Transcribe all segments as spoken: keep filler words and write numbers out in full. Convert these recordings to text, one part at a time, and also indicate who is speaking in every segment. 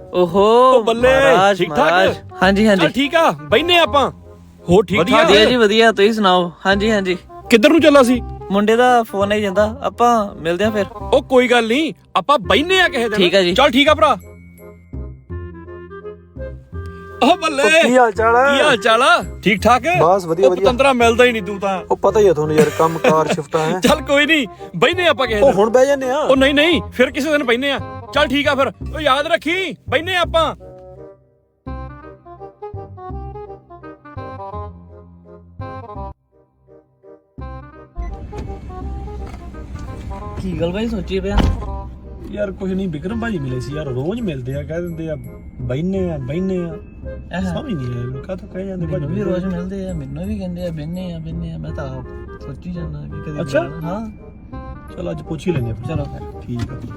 Speaker 1: ਓਹੋ
Speaker 2: ਬੱਲੇ
Speaker 1: ਮਹਾਰਾਜ
Speaker 2: ਠੀਕ
Speaker 1: ਮਹਾਰਾਜ
Speaker 2: ਠਾਕ
Speaker 1: ਹਾਂਜੀ ਹਾਂਜੀ
Speaker 2: ਚੱਲ ਠੀਕ ਆ ਬੈਨੇ ਆਪਾਂ ਹੋ ਠੀਕ
Speaker 1: ਵਧੀਆ
Speaker 2: ਠਾਕ
Speaker 1: ਜੀ ਵਧੀਆ ਤੁਸੀਂ ਸੁਣਾਓ ਹਾਂਜੀ ਹਾਂਜੀ
Speaker 2: ਕਿੱਧਰ ਨੂੰ ਚੱਲਾ ਸੀ
Speaker 1: ਮੁੰਡੇ ਦਾ ਫੋਨ ਆਈ ਜਾਂਦਾ ਆਪਾਂ ਮਿਲਦੇ ਆ ਫਿਰ
Speaker 2: ਉਹ ਕੋਈ ਗੱਲ ਨਹੀਂ ਆਪਾਂ ਬੈਨੇ ਆ ਕਿਸੇ ਦਿਨ
Speaker 1: ਠੀਕ ਆ ਜੀ।
Speaker 2: ਚੱਲ ਠੀਕ ਆ ਭਰਾ ਉਹ ਬੱਲੇ
Speaker 3: ਕੀ ਹਾਲ ਚਾਲ ਹੈ?
Speaker 2: ਕੀ ਹਾਲ ਚਾਲ ਆ ਠੀਕ ਠਾਕ
Speaker 3: ਬਸ ਵਧੀਆ
Speaker 2: ਉਹ
Speaker 3: ਵਧੀਆ।
Speaker 2: ਪਤੰਦਰਾ ਮਿਲਦਾ ਹੀ ਨਹੀਂ ਤੂੰ ਤਾਂ
Speaker 3: ਉਹ ਪਤਾ ਹੀ ਆ ਤੁਹਾਨੂੰ ਯਾਰ ਕੰਮ ਕਾਰ ਸ਼ਿਫਟਾਂ ਹੈ।
Speaker 2: ਚੱਲ ਕੋਈ ਨਹੀਂ ਬੈਨੇ ਆਪਾਂ ਕਿਸੇ
Speaker 3: ਉਹ
Speaker 2: ਦਿਨ
Speaker 3: ਹੁਣ ਬਹਿ ਜਾਂਦੇ ਆ।
Speaker 2: ਉਹ ਨਹੀਂ ਨਹੀਂ ਫਿਰ ਕਿਸੇ ਦਿਨ ਬੈਨੇ ਆ ਚੱਲ ਠੀਕ ਆ ਫਿਰ ਉਹ ਯਾਦ ਰੱਖੀ ਬੈਨੇ ਆਪਾਂ
Speaker 1: ਕੀ ਗੱਲ ਬਾਈ ਸੋਚੀ ਪਿਆ
Speaker 3: ਯਾਰ ਕੁਝ ਨਹੀਂ ਵਿਕਰਮ ਭਾਜੀ ਮਿਲੇ ਸੀ ਯਾਰ ਰੋਜ਼ ਮਿਲਦੇ ਆ ਕਹਿ ਦਿੰਦੇ ਆ ਬੈਨੇ ਆ ਬੈਨੇ ਆ ਸਮਝ ਨਹੀਂ ਆਇਆ ਕਾ ਤਾਂ ਕਹਿ ਜਾਂਦੇ
Speaker 1: ਮੈਨੂੰ ਵੀ ਰੋਜ਼ ਮਿਲਦੇ ਆ ਮੈਨੂੰ ਵੀ ਕਹਿੰਦੇ ਆ ਬਿੰਨੇ ਆ ਬਿੰਨੇ ਆ ਮੈਂ ਤਾਂ ਆਪ ਸੋਚੀ ਜਾਂਦਾ ਕਿ ਕਦੇ
Speaker 3: ਅੱਛਾ?
Speaker 1: ਮਿਲਣ। ਹਾਂ
Speaker 3: ਚਲ ਅੱਜ ਪੁੱਛ ਹੀ ਲੈਂਦੇ ਆ ਫਿਰ।
Speaker 1: ਚਲੋ ਫਿਰ
Speaker 3: ਠੀਕ ਆ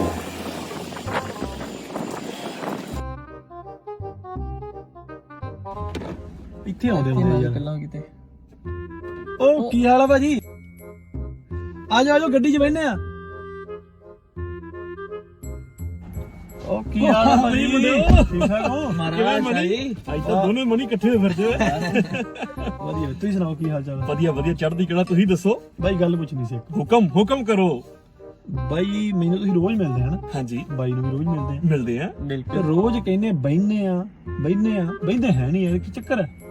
Speaker 3: ਇੱਥੇ ਆਉਂਦੇ ਹੁੰਦੇ ਆ ਯਾਰ
Speaker 1: ਗੱਲਾਂ ਕਿਤੇ
Speaker 3: ਉਹ ਕੀ ਹਾਲ ਆ ਭਾਜੀ ਆ ਜਾਓ ਆ ਜਾਓ ਗੱਡੀ 'ਚ ਬੈਠਨੇ ਆ ਉਹ ਕੀ ਹਾਲ ਆ ਭਾਜੀ ਠੀਕ ਠਾਕ ਹੋ
Speaker 1: ਮਹਾਰਾਜ ਭਾਈ
Speaker 2: ਅੱਜ ਤਾਂ ਦੋਨੇ ਮਨੀ ਇਕੱਠੇ ਹੋਏ ਫਿਰਦੇ
Speaker 3: ਵਧੀਆ ਤੁਸੀਂ ਸੁਣਾਓ ਕੀ ਹਾਲ ਚਾਲ ਹੈ
Speaker 2: ਵਧੀਆ ਵਧੀਆ ਚੜ੍ਹਦੀ ਕਲਾ ਤੁਸੀਂ ਦੱਸੋ
Speaker 3: ਬਾਈ ਗੱਲ ਪੁੱਛਣੀ ਸੀ ਇੱਕ
Speaker 2: ਹੁਕਮ ਹੁਕਮ ਕਰੋ
Speaker 3: ਬਾਈ ਮੈਨੂੰ ਤੁਸੀਂ ਰੋਜ਼ ਮਿਲਦੇ ਹਨ
Speaker 2: ਹਾਂਜੀ
Speaker 3: ਬਾਈ ਨੂੰ ਵੀ ਰੋਜ਼ ਮਿਲਦੇ ਆ
Speaker 2: ਮਿਲਦੇ ਆ
Speaker 3: ਤੇ ਰੋਜ਼ ਕਹਿੰਦੇ ਬੈਠਨੇ ਆ ਬੈਠਨੇ ਆ ਬੈਠਦੇ ਹੈ ਨਹੀਂ ਯਾਰ ਕੀ ਚੱਕਰ ਹੈ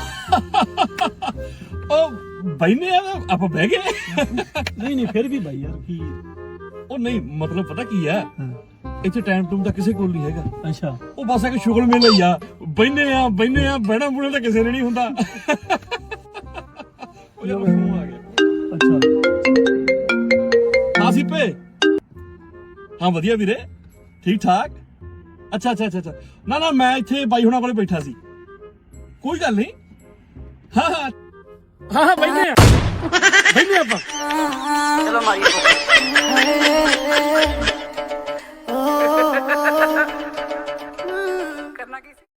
Speaker 2: ਉਹ ਬੈਨੇ ਆ ਆਪਾਂ ਬਹਿ ਗਏ
Speaker 3: ਨਹੀਂ ਨਹੀਂ ਫਿਰ ਵੀ ਬਾਈ ਯਾਰ ਕੀ
Speaker 2: ਉਹ ਨਹੀਂ ਮਤਲਬ ਪਤਾ ਕੀ ਆ
Speaker 3: ਹਾਂ,
Speaker 2: ਇੱਥੇ ਟਾਈਮ ਟੂਮ ਤਾਂ ਕਿਸੇ ਕੋਲ ਨਹੀਂ ਹੈਗਾ
Speaker 3: ਅੱਛਾ
Speaker 2: ਉਹ ਬਸ ਇੱਕ ਸ਼ੁਗਲ ਮੇਲਾ ਹੀ ਆ ਬੈਨੇ ਆ ਬੈਨੇ ਆ ਬਹਿਣਾ ਬੁਣਾ ਤਾਂ ਕਿਸੇ ਨੇ ਨਹੀਂ ਹੁੰਦਾ ਉਹ ਯਾਰ ਫੋਨ ਆ ਗਿਆ
Speaker 3: ਅੱਛਾ
Speaker 2: ਹਾਂ ਸੀਪੇ ਹਾਂ ਵਧੀਆ ਵੀਰੇ ਠੀਕ ਠਾਕ ਅੱਛਾ ਅੱਛਾ ਅੱਛਾ ਅੱਛਾ ਨਾ ਨਾ ਮੈਂ ਇੱਥੇ ਬਾਈ ਹੁਣਾਂ ਕੋਲੇ ਬੈਠਾ ਸੀ ਕੋਈ ਗੱਲ ਨਹੀਂ ਹਾਂ ਹਾਂ ਹਾਂ ਹਾਂ ਬੈਨੇ ਆ ਬੈਨੇ ਆਪਾਂ
Speaker 1: ਚਲੋ ਮਾਰੀਏ